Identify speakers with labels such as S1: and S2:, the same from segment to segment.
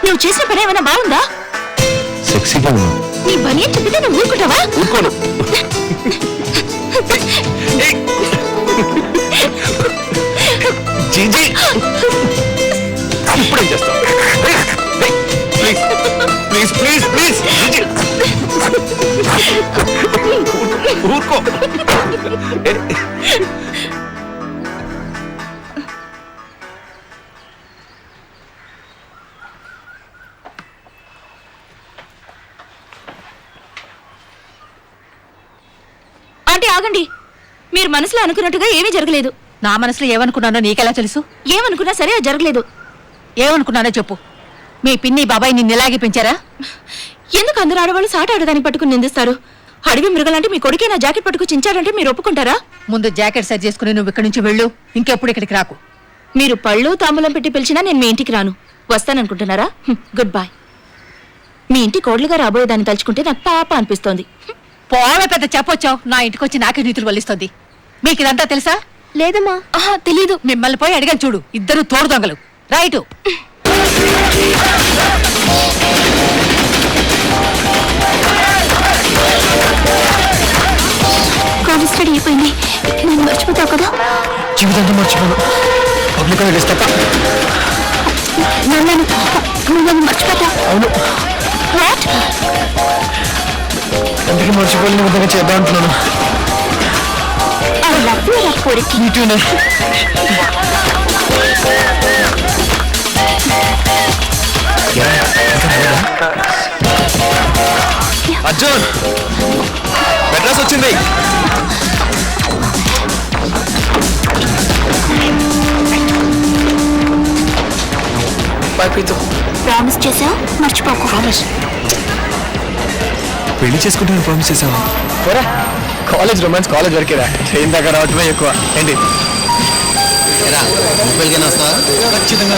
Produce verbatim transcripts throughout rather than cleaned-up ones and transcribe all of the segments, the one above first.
S1: నువ్వు చేసిన పని ఏమైనా బాగుందా?
S2: సెక్సీగా ఉన్నా.
S1: నీ పని ఏం చెప్పితే నువ్వు ఊరుకుంటావా?
S2: ఊరుకోను. జీజీ ఇప్పుడేం చేస్తావు? ప్లీజ్ ప్లీజ్ ప్లీజ్ ప్లీజ్ జీజీ ఊరుకో.
S1: ఆంటీ ఆగండి. మీరు మనసులో అనుకున్నట్టుగా ఏమీ జరగలేదు.
S3: నా మనసులో ఏమనుకున్నానో నీకెలా తెలుసు?
S1: ఏమనుకున్నా సరే అది జరగలేదు.
S3: ఏమనుకున్నానో చెప్పు. మీ పిన్ని బాబాయ్ నిన్ను ఇలాగే పెంచారా?
S1: ఎందుకు అందరు ఆడవాళ్ళు సాట ఆడదానికి పట్టుకుని నిందిస్తారు? అడవి మృగాలంటే మీ కొడుకే నా జాకెట్ పట్టుకు చించారంటే మీరు ఒప్పుకుంటారా?
S3: ముందు జాకెట్ సరి చేసుకుని నువ్వు ఇక్కడి నుంచి వెళ్ళు. ఇంకెప్పుడు ఇక్కడికి రాకు.
S1: మీరు పళ్ళు తాంబూలం పెట్టి పిలిచినా నేను మీ ఇంటికి రాను. వస్తాననుకుంటున్నారా? Good bye. మీ ఇంటి కోడలుగా రాబోయేదాన్ని తలుచుకుంటే నాకు పాప అనిపిస్తోంది.
S3: పోవే పెద్ద చెప్పొచ్చావు. నా ఇంటికి వచ్చి నాకే నీతులు వల్లిస్తుంది. మీకు ఇదంతా తెలుసా?
S1: లేదమ్మా. ఆహా తెలీదు.
S3: మిమ్మల్ని పోయి అడిగాను చూడు. ఇద్దరు తోడు దొంగలు. రైటు.
S1: కాలేజ్ స్టడీ అయిపోయింది. నేను మర్చిపోతావు కదా?
S2: జీవితంతో మర్చిపోను. పబ్లిక్ హాలిడేస్ తప్ప.
S1: నన్ను నువ్వు మర్చిపోతావు.
S2: అవును.
S1: వాట్?
S2: అందుకే మర్చిపోలేని విధంగా చేద్దాం అంటున్నాను.
S1: I love you, Rakuri.
S2: Me too, ne. Arjun Madras వచ్చింది.
S1: ప్రామిస్ చేసావు, మర్చిపోకు.
S2: ప్రామిస్. పెళ్లి చేసుకుంటాను ప్రామిస్ చేసావా? పోరా, కాలేజ్ రొమాన్స్ కాలేజ్ వరకేరా. ట్రైన్ దాకా రావటమే ఎక్కువ. ఏంటి ఖచ్చితంగా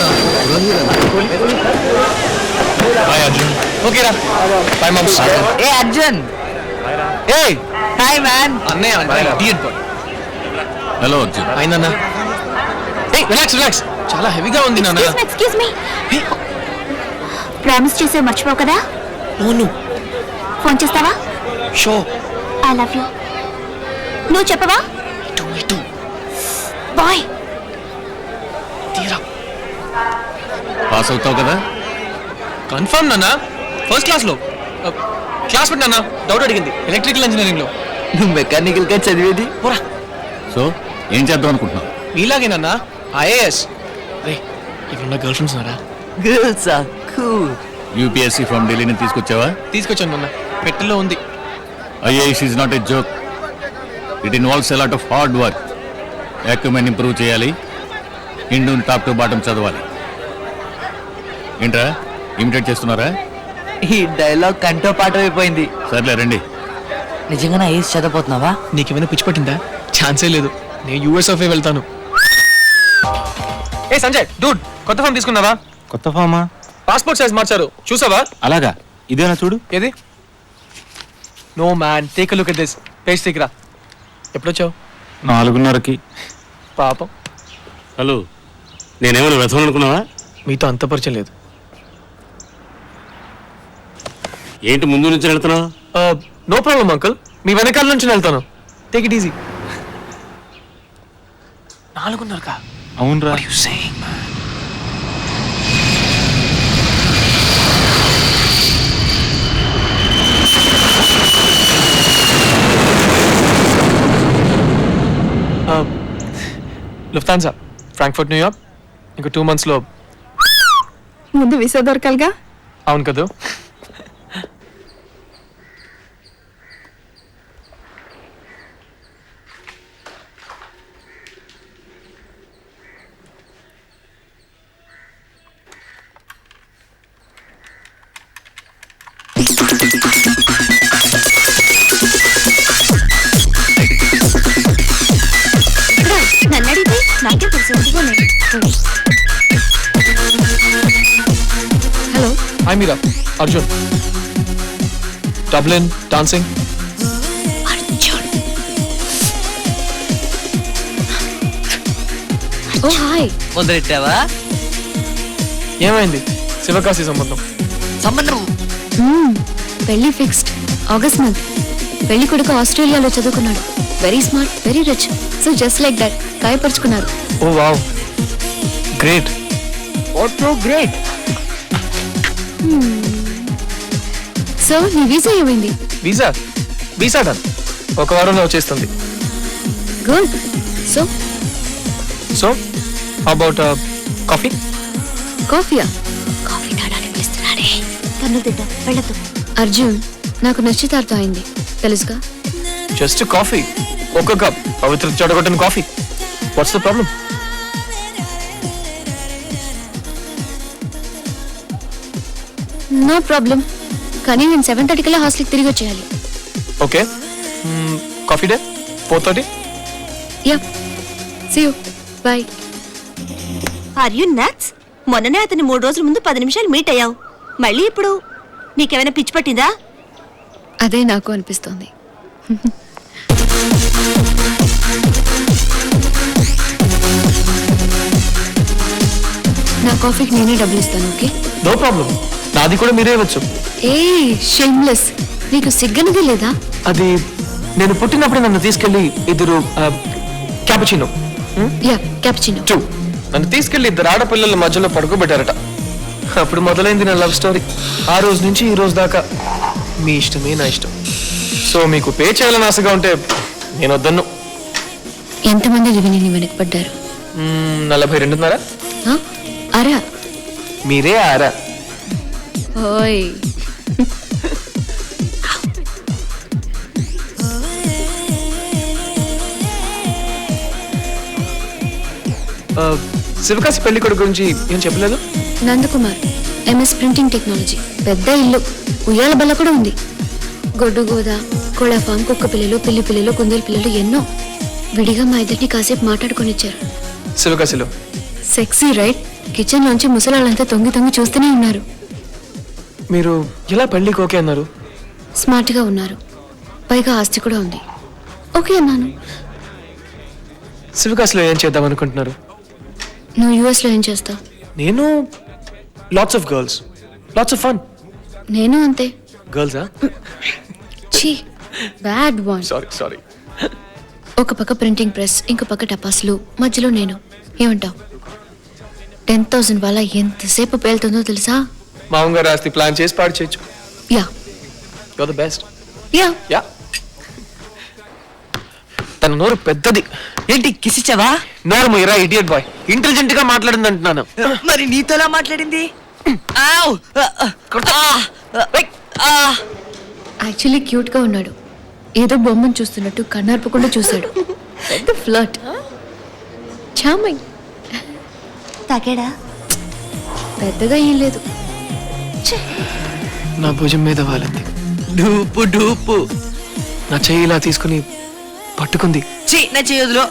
S2: అర్జున్. ఓకేరా బాయ్ మామ్స్.
S3: ఏ అర్జున్.
S2: ఏ
S3: హాయ్ మ్యాన్.
S2: అన్నయ్య.
S4: హలో అర్జున్.
S2: అయిందన్నా. ఏ రిలాక్స్ రిలాక్స్. చాలా హెవీగా ఉంది నాన్న.
S1: Excuse me. ప్రామిస్ చేసావు, మర్చిపోవు కదా?
S2: అవును.
S1: ఫోన్ చేస్తావా?
S2: షో.
S1: I love you. నువ్వు చెప్పవా?
S2: To me too.
S1: బాయ్.
S2: తీరా
S4: పాస్ అవుతావు కదా?
S2: కన్ఫర్మ్ నాన్న. ఫస్ట్ క్లాస్ లో క్లాస్ నాన్న డౌట్ అడిగింది ఎలక్ట్రికల్ ఇంజనీరింగ్ లో.
S5: నువ్వు మెకానికల్ గా చదివేది.
S2: పోరా.
S4: సో ఏం చేద్దాం అనుకుంటున్నావు?
S2: మీలాగేనన్నా ఐఏఎస్. రే ఇక్కడ గర్ల్ ఫ్రెండ్స్ ఉన్నారా?
S5: Girls are cool.
S4: UPSC from ఢిల్లీని తీసుకొచ్చావా?
S2: తీసుకొచ్చాను నాన్న. పెట్టెల్లో ఉంది.
S4: IAS is not a joke. It involves a lot of hard work. Acumen improve చేయాలి. హిందూని టాప్ టు బాటం చదవాలి. ఏంట్రా ఇమిటేట్ చేస్తున్నారా?
S5: ఈ డైలాగ్ కంటో పాట అయిపోయింది.
S4: సర్లే రండి.
S5: నిజంగానే ఐఎస్ చదవబోతున్నావా?
S2: నీకేమైనా పిచ్చి పట్టిందా? ఛాన్సే లేదు. నేను యూఎస్ఎఫ్ఏ వెళ్తాను. ఏ సంజయ్ డూడ్, కొత్త ఫామ్ తీసుకున్నావా?
S4: కొత్త ఫామా?
S2: పాస్పోర్ట్ సైజ్ మార్చారు, చూసావా?
S4: అలాగా, ఇదేనా చూడు.
S2: ఏది? No man, take a look at this. Page తీయరా. ఎప్పుడొచ్చావు?
S4: నాలుగున్నరకి.
S2: పాపం.
S4: హలో, నేనేమైనా వ్యర్థం అనుకున్నావా?
S2: మీతో అంత పరిచయం లేదు.
S4: ఏంటి ముందు నుంచి వెళ్తున్నావు?
S2: నో ప్రాబ్లం అంకుల్, మీ వెనకాల నుంచి వెళ్తాను. Take it easy. నాలుగున్నరకా?
S4: అవునరా.
S2: లుఫ్తాన్సా ఫ్రాంక్ఫర్ట్ న్యూయార్క్ ఇంకో టూ మంత్స్ లో.
S1: ముందు వీసా దొరకాలిగా.
S2: అవును కదా.
S1: నన్నడితే నాకే తెలుసు. Hello,
S2: hi Meera. Arjun. Dublin dancing.
S1: Arjun. Oh hi.
S5: మొదలెట్టావా?
S2: ఏమైంది? శివకాశి సంబంధం.
S5: సంబంధం
S6: పెళ్లి ఫిక్స్డ్ ఆగస్ట్ మంత్. పెళ్లి కొడుకు ఆస్ట్రేలియాలో చదువుకున్నాడు. Very smart, very rich. So just like that గాయపరుచుకున్నారు.
S2: Oh wow, great.
S5: What so great.
S6: So నీ వీసా ఏమైంది?
S2: Visa visa done. ఒక వారంలో వచ్చేస్తుంది.
S6: Good. So
S2: so about coffee.
S6: కాఫీయా? కాఫీ తాడానికి పిలుస్తున్నాడే. పన్ను తింటా వెళ్ళదు. అర్జున్, నాకు నిశ్చితార్థం అయింది తెలుసుగా.
S2: జస్ట్ కాఫీ, ఒక కప్ పవిత్ర చెడగొట్టిన coffee. What's the problem?
S6: No problem. కానీ నేను సెవెన్ థర్టీ కల్లా హాస్టల్కి తిరిగి వచ్చేయాలి.
S2: Okay, coffee day four thirty.
S6: Yeah, see you, bye.
S1: Are you nuts? మొన్ననే అతని మూడు రోజుల ముందు పది నిమిషాలు మీట్ అయ్యావు. మళ్ళీ ఇప్పుడు నీకేమైనా పిచ్చి పట్టిందా?
S6: అదే నాకు అనిపిస్తోంది. నా కాఫీకి నేనే డబ్బులు ఇస్తాను. Okay,
S2: no problem. నాది కూడా మీరే ఇవ్వచ్చు.
S6: ఏ షేమ్లెస్, నీకు సిగ్గనది లేదా?
S2: అది నేను పుట్టినప్పుడు నన్ను తీసుకెళ్లి ఇద్దరు క్యాపుచినో
S6: యా, క్యాపుచినో.
S2: టూ నన్ను తీసుకెళ్లి ఇద్దరు ఆడపిల్లల మధ్యలో పడుకోబెట్టారట. అప్పుడు మొదలైంది నా లవ్ స్టోరీ. ఆ రోజు నుంచి ఈ రోజు దాకా మీ ఇష్టమే నా ఇష్టం. సో మీకు పే చేయాలని ఆశగా ఉంటే నేను వద్దన్ను.
S6: ఎంతమంది విని నీ వెనకపడ్డారు?
S2: మ్మ్, నలభై రెండున్నర.
S6: ఆ? అరా
S2: మీరే ఆరా.
S6: ఓయ్,
S2: ఆ, శివకాశి పెళ్లి కొడుకు గురించి ఏం చెప్పలేదు?
S6: Nandakumar, MS printing technology. పెద్ద ఇల్లు, ఉయ్యాల బల్ల కూడా ఉంది. గొడ్డు గోద, కోళ్ళ ఫామ్, కుక్క పిల్లలు, పిల్లి పిల్లలు, కుందేలు పిల్లలు ఎన్నో. విడిగా మా ఇద్దరిని కాసేపు మాట్లాడుకొని ఇచ్చారు.
S2: శివకాశిలో
S6: సెక్సీ రైట్. కిచెన్ లోంచి ముసలాళ్ళంతా తొంగి తొంగి చూస్తూనే ఉన్నారు.
S2: మీరు ఎలా పెళ్లికి ఓకే అన్నారు?
S6: స్మార్ట్ గా ఉన్నారు, పైగా ఆస్తి కూడా ఉంది. ఓకే అన్నాను.
S2: శివకాశిలో ఏం చేద్దాం అనుకుంటున్నారు?
S6: నువ్వు యుఎస్ లో ఏం చేస్తావు?
S2: నేను lots of girls, lots of fun.
S6: నేను అంతే.
S2: గర్ల్సా?
S6: ఛీ, బ్యాడ్ వన్.
S2: Sorry sorry.
S6: ఒక పక్క ప్రింటింగ్ ప్రెస్, ఇంకో పక్క టపాసులు, మధ్యలో నేను. ఏమంటావు? టెన్ థౌసండ్ వాళ్ళ ఎంతసేపు పేలుతుందో తెలుసా?
S2: మామగారు ఆస్తి ప్లాన్ చేసి పాడు చేయొచ్చు.
S6: Yeah
S2: your the best.
S6: Yeah.
S2: Yeah. తన నోరు పెద్దది.
S5: ఏంటి కిసిచ్చావా?
S2: నోరు మీరా ఇడియట్ బాయ్. ఇంటెలిజెంట్ గా మాట్లాడింది అంటున్నాను.
S5: మరి నీతోలా మాట్లాడింది? ఆవ్!
S6: యాక్చువల్లీ క్యూట్ గా ఉన్నాడు. ఏదో బొమ్మను చూస్తున్నట్టు కన్నార్పకుండా చూశాడు. పెద్ద ఫ్లర్ట్. చామై
S1: తాగాడా?
S6: పెద్దగా ఏం లేదు.
S2: నా భుజం మీద వాలింది.
S5: డూపు డూపు.
S2: నా చెయ్యి ఇలా తీసుకుని పట్టుకుంది.
S5: ఛీ, నా చేయదులో.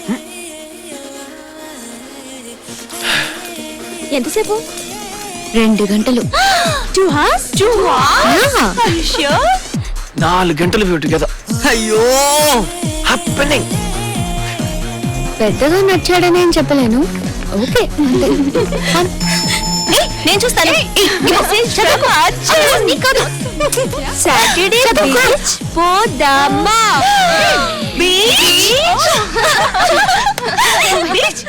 S1: ఎంతసేపు?
S6: రెండు గంటలు.
S1: Two hours? Two hours?
S2: నాలుగు గంటలు వ్యూ టుగెదర్.
S5: అయ్యో,
S2: హ్యాపెనింగ్.
S6: పెద్దగా నచ్చాడని ఏం చెప్పలేను. ఓకే అంతే.
S1: నేను చూస్తాను. సాటర్డే బీచ్ పోదామా? Beach beach.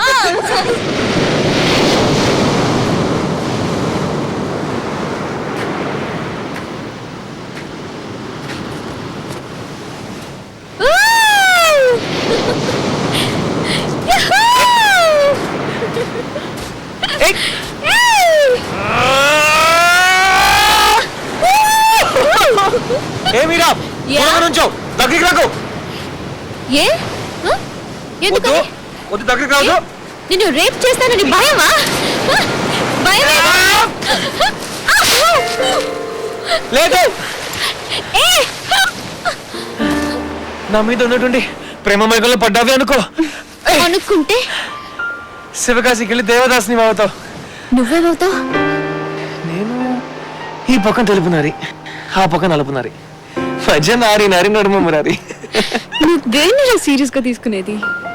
S2: ఏ మీరా దూరంగా నుంచో, దగ్గరికి రాకు.
S6: ఏ హ? ఎందుకు?
S2: వద్దు, వద్దు, దగ్గరికి రాదు.
S6: నిన్ను రేప్ చేస్తానని భయమా? హ? భయమేనా?
S2: లేదు.
S6: ఏ!
S2: నా మీద ఉన్నటువంటి ప్రేమ మైకంలో పడ్డావి అనుకో.
S6: అనుకుంటే
S2: శివకాశికి వెళ్ళి దేవదాస్ని అవుతావు.
S6: నువ్వేమవుతావు?
S2: నేను ఈ పక్కన తెలుపునారి, ఆ పక్కన నలుపునారి, మధ్య నారి నారి నడుమ మురారి.
S6: నువ్వు దేన్ని సీరియస్ గా తీసుకునేది?